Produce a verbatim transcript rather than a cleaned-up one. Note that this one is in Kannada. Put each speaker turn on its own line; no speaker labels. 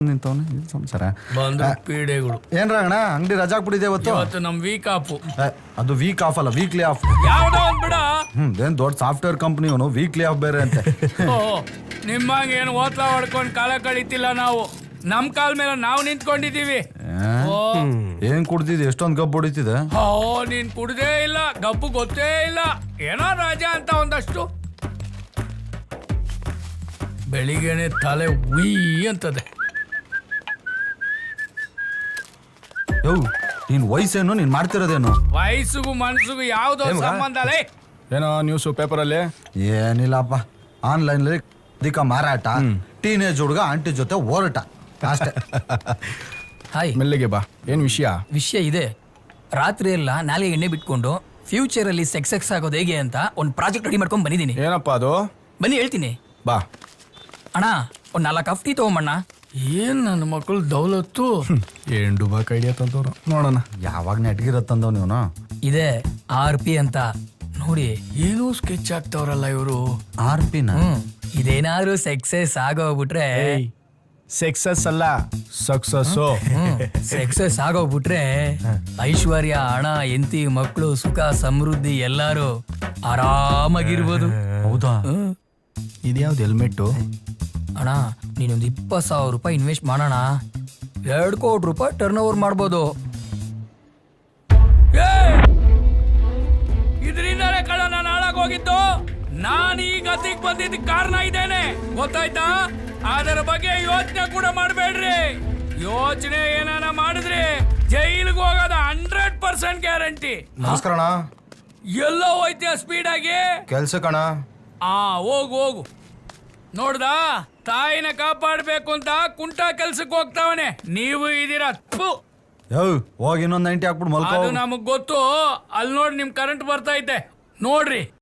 ನಿಂತವನೆ ಸಂಸಾರ
ಪೀಡೆಗಳು
ಏನ್ರ ಅಣ್ಣ ಅಂಗಡಿ ರಜಾ ಹಾಕ್ಬಿಟ್ಟಿದೆ ಇವತ್ತು
ಇವತ್ತು ನಮ್ ವೀಕ್ ಆಫ್.
ಅದು ವೀಕ್ ಆಫ್ ಅಲ್ಲ ವೀಕ್ಲಿ ಆಫ್.
ಯಾವ್ದೋ ಒಂದ್ ಬಿಡ.
ಹ್ಮ್ ಏನ್ ದೊಡ್ಡ ಸಾಫ್ಟ್ವೇರ್ ಕಂಪನಿ ಅವನು ವೀಕ್ಲಿ ಆಫ್ ಬೇರೆ ಅಂತೆ.
ನಿಮ್ಮಂಗ ಏನು ಓತ್ಲಾ ಹೊಡ್ಕೊಂಡ್ ಕಾಲ ಕಳೀತಿಲ್ಲ ನಾವು. ನಮ್ ಕಾಲ್ ಮೇಲೆ ನಾವು ನಿಂತ್ಕೊಂಡಿದೀವಿ.
ಏನ್ ಕುಡ್ದಿದ್ ಎಷ್ಟೊಂದ್ ಗಬ್ಬು ಹೊಡಿತಿದೆ.
ಓ ನೀನ್ ಕುಡ್ದೇ ಇಲ್ಲ, ಗಬ್ಬು ಗೊತ್ತೇ ಇಲ್ಲ. ಏನೋ ರಾಜ ಅಂತ ಒಂದಷ್ಟು. ಬೆಳಿಗ್ಗೆನೆ ತಲೆ ಉಯ್ ಅಂತದೆ.
ಯೋ ನೀನ್ ವಯಸ್ಸೇನು ನೀನ್ ಮಾಡ್ತಿರೋದೇನು?
ವಯಸ್ಸಿಗೂ ಮನ್ಸಿಗೂ ಯಾವ್ದೋ ಸಂಬಂಧ ಅಲ್ಲೇ.
ಏನೋ ನ್ಯೂಸ್ ಪೇಪರ್ ಅಲ್ಲಿ
ಏನಿಲ್ಲಪ್ಪ, ಆನ್ಲೈನ್ ಅಧಿಕ ಮಾರಾಟ, ಟೀನೇಜ್ ಹುಡುಗ ಆಂಟಿ ಜೊತೆ ಹೋರಾಟ ಅಷ್ಟೇ.
ಹಾಯ್,
ಮೆಲ್ಲಿಗೆ ಬಾ. ಏನ್ ವಿಷಯ?
ವಿಷಯ ಇದೆ. ರಾತ್ರಿ ಎಲ್ಲ ನಾಲ್ಗೆ ಎಣ್ಣೆ ಬಿಟ್ಕೊಂಡು ಫ್ಯೂಚರ್ ಅಲ್ಲಿ ಸೆಕ್ಸ್ ಸೆಕ್ಸ್ ಆಗೋದು ಹೇಗೆ ಅಂತ ಒಂದು ಪ್ರಾಜೆಕ್ಟ್ ರೆಡಿ ಮಾಡ್ಕೊಂಡ್ ಬಂದಿದ್ದೀನಿ.
ಏನಪ್ಪಾ ಅದು?
ಬನ್ನಿ ಹೇಳ್ತೀನಿ.
ಬಾ
ಅಣ್ಣ, ಒಂದ್ ನಾಲ್ಕು ಅಫ್ಟಿ ತಗೊಂಬಣ್ಣ.
ಏನ್ ನನ್ನ ಮಕ್ಕಳು ದೌಲತ್ತು.
ಏನ್ ಡುಬಾಕ್ ಐಡಿಯಾ ತಂದವ್ರು ನೋಡೋಣ.
ಯಾವಾಗ ನೆಟ್ಗಿರತ್ತಂದವ್ ನೀವನು.
ಇದೆ ಆರ್ ಪಿ ಅಂತ ನೋಡಿ.
ಏನೋ ಸ್ಕೆಚ್ ಆಗ್ತಾವ್ರಲ್ಲ ಇವರು.
ಆರ್ ಪಿನ
ಹ್ಮ್ ಇದೇನಾದ್ರೂ ಸೆಕ್ಸಸ್ ಆಗೋಗ್ಬಿಟ್ರೆ
ಸಕ್ಸಸ್ ಅಲ್ಲ ಸಕ್ಸಸ್.
ಸೆಕ್ಸಸ್ ಆಗೋಗ್ಬಿಟ್ರೆ ಐಶ್ವರ್ಯ, ಹಣ, ಎಂತಿ, ಮಕ್ಕಳು, ಸುಖ, ಸಮೃದ್ಧಿ ಎಲ್ಲಾರು ಆರಾಮಾಗಿರ್ಬೋದು.
ಹೌದಾ?
ಇದ್ಯಾವ್ದು ಹೆಲ್ಮೆಟ್ಟು?
ಅಣ್ಣ, ನೀನೊಂದು ಇಪ್ಪತ್ತು ಸಾವಿರ ರೂಪಾಯಿ ಇನ್ವೆಸ್ಟ್ ಮಾಡೋಣ, ಎರಡು ಕೋಟಿ ರೂಪಾಯಿ ಟರ್ನ್ ಓವರ್ ಮಾಡ್ಬೋದು.
ಇದರಿಂದಲೇ ಕಳ ನಾನು ಹಾಳಾಗೋಗಿದ್ದು. ನಾನು ಈ ಗತಿಗೆ ಬಂದಿದ್ದ ಕಾರಣ ಇದೇನೆ, ಗೊತ್ತಾಯ್ತಾ? ಅದರ ಬಗ್ಗೆ ಯೋಚನೆ ಕೂಡ ಮಾಡಬೇಡ್ರಿ. ಯೋಚನೆ ಏನಾನ ಮಾಡಿದ್ರಿ ಜೈಲಿಗೆ ಹೋಗೋದ ಹಂಡ್ರೆಡ್ ಪರ್ಸೆಂಟ್ ಗ್ಯಾರಂಟಿ.
ನಮಸ್ಕಾರ ಅಣ್ಣ.
ಎಲ್ಲೋ ಹೋಯ್ತೀಯ ಸ್ಪೀಡ್ ಆಗಿ?
ಕೆಲ್ಸ ಕಣ.
ಆ ಹೋಗು ಹೋಗು. ನೋಡ್ದ, ತಾಯಿನ ಕಾಪಾಡ್ಬೇಕು ಅಂತ ಕುಂಟ ಕೆಲ್ಸಕ್ಕೆ ಹೋಗ್ತಾವನೆ. ನೀವು ಇದೀರ.
ಯೋ ಹೋಗಿ ಇನ್ನೊಂದ್ ನೈಂಟಿ ಹಾಕ್ಬಿಟ್ಟು ಮಲ್ಕೋ.
ಅದು ನಮಗ್ ಗೊತ್ತು. ಅಲ್ಲಿ ನೋಡಿ ನಿಮ್ ಕರೆಂಟ್ ಬರ್ತಾ ಐತೆ ನೋಡ್ರಿ.